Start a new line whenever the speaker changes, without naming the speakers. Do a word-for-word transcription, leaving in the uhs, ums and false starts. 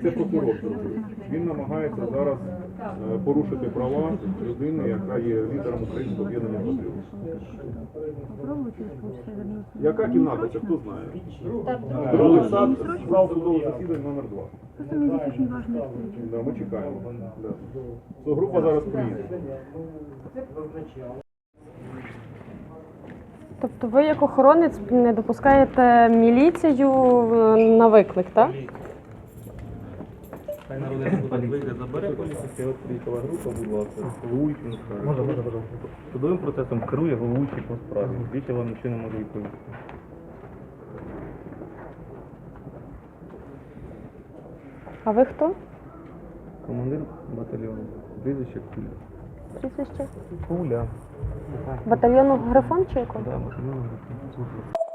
це прокурор зробив. Він намагається зараз е, порушити права людини, яка є лідером українського об'єднання патріотів. Яка кімната, це хто знає? Другий сад, зал судового засідання номер два. Да, ми чекаємо. Да. So, група зараз приїде.
Тобто ви як охоронець не допускаєте міліцію на виклик, так?
Хай народний депутат вийде, забере поліцейський, от приїхала група, будь ласка, головуючий на справі. Можна, можна, можна. Судовим процесом керує головуючий по справі. Більше вам нічого не можу відповісти.
А ви хто?
Командир батальйону. Прізвище Куля.
Прізвище?
Куля.
Батальйону Грифон чи якого?
Да, батальйону Грифон.